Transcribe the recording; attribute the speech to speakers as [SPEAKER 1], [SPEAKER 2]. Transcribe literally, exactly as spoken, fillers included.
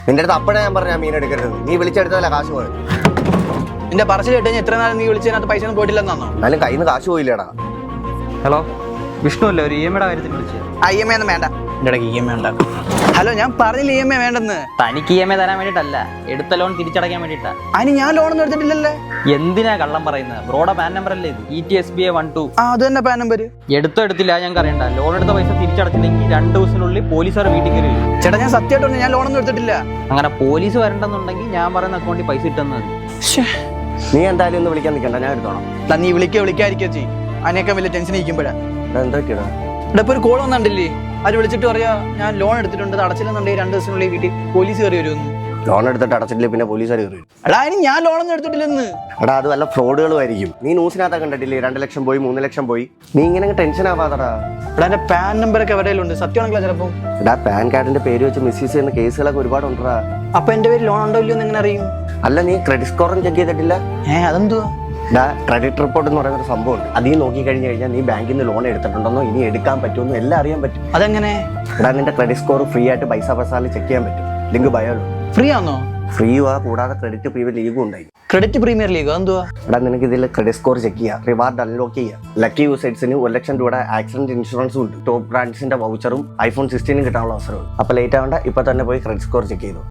[SPEAKER 1] നിന്റെ അടുത്ത് അപ്പഴേ ഞാൻ പറഞ്ഞ മീൻ എടുക്കരുത്. നീ വിളിച്ചെടുത്തതല്ല കാശ് പോയത്.
[SPEAKER 2] നിന്റെ പറച്ചിൽ കേട്ട് എത്ര നാളെ നീ വിളിച്ചതിനകത്ത് പൈസ ഒന്നും പോയിട്ടില്ലെന്നാണോ?
[SPEAKER 1] എന്നാലും കയ്യിൽ നിന്ന് കാശ് പോയില്ലടാ.
[SPEAKER 3] ഹലോ, വിഷ്ണു അല്ലേ? ഒരു ഇ എം ഐയുടെ കാര്യത്തിൽ വിളിച്ചത്.
[SPEAKER 2] ഇ എം ഐ ഒന്നും വേണ്ട. എന്റെ ഇടയ്ക്ക് ഇ എം ഐ ഉണ്ടാക്കും. ഹലോ, ഞാൻ പറഞ്ഞില്ല ഇ എം ഐ വേണ്ടെന്ന്.
[SPEAKER 3] തനിക്ക് ഇ എം ഐ തരാൻ വേണ്ടിയിട്ടല്ല, എടുത്ത ലോൺ തിരിച്ചടയ്ക്കാൻ വേണ്ടിയിട്ടാ.
[SPEAKER 2] അതിന് ഞാൻ ലോണൊന്നും എടുത്തിട്ടില്ലല്ലേ.
[SPEAKER 3] എന്തിനാ കള്ളം പറയുന്നത്? ബ്രോയുടെ പാൻ നമ്പർ അല്ലേ ഇത്? E T S B A one two.
[SPEAKER 2] ആ, അത് തന്നെ പാൻ നമ്പർ.
[SPEAKER 3] എടുത്തോ എടുത്തില്ല ഞങ്ങൾക്ക് അറിയണ്ട. ലോൺ എടുത്ത പൈസ തിരിച്ചടച്ചില്ലെങ്കിൽ രണ്ട് ദിവസത്തിനുള്ളിൽ പോലീസുകാർ വീട്ടിൽ കയറി വരും.
[SPEAKER 2] ചേട്ടാ, ഞാൻ സത്യമായിട്ട് ഞാൻ ലോണൊന്നും എടുത്തിട്ടില്ല.
[SPEAKER 3] അങ്ങനെ പോലീസ് വരണ്ടെന്നുണ്ടെങ്കിൽ ഞാൻ പറയുന്ന അക്കൗണ്ടിൽ പൈസ ഇട്ടെന്നത്.
[SPEAKER 1] നീ എന്തായാലും ഒന്ന് വിളിക്കാൻ നിൽക്കണ്ട, ഞാൻ എടുത്തോളാം.
[SPEAKER 2] നീ വിളിക്കുക വിളിക്കാതിരിക്കോ ചെയ്യും. അതിനൊക്കെ വലിയ ടെൻഷൻ ഇരിക്കുമ്പോഴാ.
[SPEAKER 1] എന്താ പറ്റിയടാ?
[SPEAKER 2] ഇവിടെ ഇപ്പൊ ഒരു കോൾ വന്നിട്ടില്ലേ? അത് വിളിച്ചിട്ട് പറയാ ഞാൻ ലോൺ എടുത്തിട്ടുണ്ട്, അത് അടച്ചില്ലെന്നുണ്ടെങ്കിൽ രണ്ട് ദിവസത്തിനുള്ളിൽ വീട്ടിൽ പോലീസ് കയറി വരുമെന്ന്.
[SPEAKER 1] ലോൺ എടുത്തിട്ട് അടച്ചിട്ടില്ല പിന്നെ പോലീസുകാർ കയറി വരും.
[SPEAKER 2] എടാ, അതിന് ഞാൻ ലോണൊന്നും എടുത്തിട്ടില്ലെന്ന്.
[SPEAKER 1] എടാ, അത് വല്ല ഫ്രോഡുകളും ആയിരിക്കും. നീ ന്യൂസിനകത്ത് കണ്ടിട്ടില്ലേ? രണ്ട് ലക്ഷം പോയി, മൂന്ന് ലക്ഷം പോയി. നീ ഇങ്ങനെ ടെൻഷൻ ആവാതടാ.
[SPEAKER 2] എടാ, എന്റെ പാൻ നമ്പറൊക്കെ എവിടെയുണ്ട്? സത്യമാണെങ്കിലോ ചിലപ്പം.
[SPEAKER 1] എടാ, പാൻ കാർഡിന്റെ പേര് വെച്ച് മിസ്യൂസ് ചെയ്യുന്ന കേസുകളൊക്കെ ഒരുപാട് ഉണ്ടടാ.
[SPEAKER 2] അപ്പൊ എന്റെ പേര് ലോൺ ഉണ്ടോ ഇല്ലയോ എന്ന് എങ്ങനെ അറിയും?
[SPEAKER 1] അല്ല, നീ ക്രെഡിറ്റ് സ്കോറും ചെക്ക് ചെയ്തിട്ടില്ല?
[SPEAKER 2] ഏഹ്, അതെന്തുവാ?
[SPEAKER 1] ഡാ, ക്രെഡിറ്റ് റിപ്പോർട്ട് എന്ന് പറയുന്ന ഒരു സംഭവമുണ്ട്. അതിൽ നോക്കി കഴിഞ്ഞു കഴിഞ്ഞാൽ നീ ബാങ്കിൽ നിന്ന് ലോൺ എടുത്തിട്ടുണ്ടെന്നോ ഇനി എടുക്കാൻ പറ്റുമെന്നോ എല്ലാം അറിയാൻ പറ്റും.
[SPEAKER 2] അതെങ്ങനെ?
[SPEAKER 1] എടാ, നിന്റെ ക്രെഡിറ്റ് സ്കോർ ഫ്രീ ആയിട്ട് പൈസ പൈസാല് ചെക്ക് ചെയ്യാൻ പറ്റും. ലിങ്ക് ബയോളൂ.
[SPEAKER 2] ഫ്രീ ആണോ?
[SPEAKER 1] ഫ്രീ ആ, കൂടാതെ ക്രെഡിറ്റ് പ്രീമിയർ ലീഗും ഉണ്ടായി.
[SPEAKER 2] ക്രെഡിറ്റ് പ്രീമിയർ ലീഗ് എന്തുവാ?
[SPEAKER 1] എടാ, നിനക്ക് ഇതിൽ ക്രെഡിറ്റ് സ്കോർ ചെക്ക് ചെയ്യാം, റിവാർഡ് അൺലോക്ക് ചെയ്യാം. ലക്കി യൂസേഴ്സിന് ഒരു ലക്ഷം രൂപയുടെ ആക്സിഡന്റ് ഇൻഷുറൻസും ഉണ്ട്. ടോപ്പ് ബ്രാൻഡ്സിന്റെ വൗച്ചറും ഐഫോൺ സിക്സ്റ്റീനും കിട്ടാനുള്ള അവസരമുണ്ട്. അപ്പൊ ലേറ്റ് ആവേണ്ട, ഇപ്പൊ തന്നെ പോയി ക്രെഡിറ്റ് സ്കോർ ചെക്ക് ചെയ്തു.